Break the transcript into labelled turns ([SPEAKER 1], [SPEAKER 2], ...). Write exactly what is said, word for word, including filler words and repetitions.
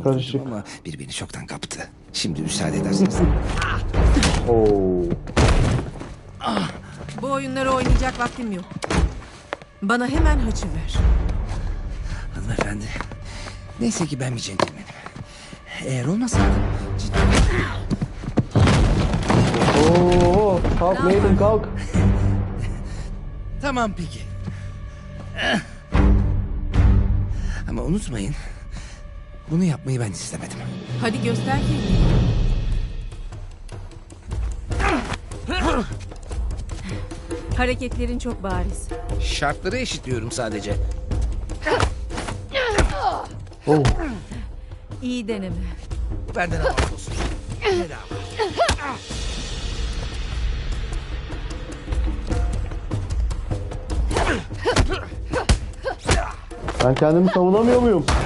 [SPEAKER 1] karışık.
[SPEAKER 2] Ama biri beni çoktan kaptı. Şimdi müsaade ederseniz.
[SPEAKER 1] Oo.
[SPEAKER 3] Bu oyunları oynayacak vaktim yok. Bana hemen haçı ver.
[SPEAKER 2] Hanımefendi. Neyse ki ben bir centilmenim. Eğer olmasaydım ciddi...
[SPEAKER 1] Oo, kalk Nathan kalk.
[SPEAKER 2] Tamam peki. Ama unutmayın. Bunu yapmayı ben istemedim.
[SPEAKER 3] Hadi göster kendini. Hareketlerin çok bariz.
[SPEAKER 2] Şartları eşitliyorum sadece.
[SPEAKER 1] Oh.
[SPEAKER 3] İyi deneme.
[SPEAKER 2] Benden afiyet olsun. Bedava.
[SPEAKER 1] Ben kendimi savunamıyor muyum?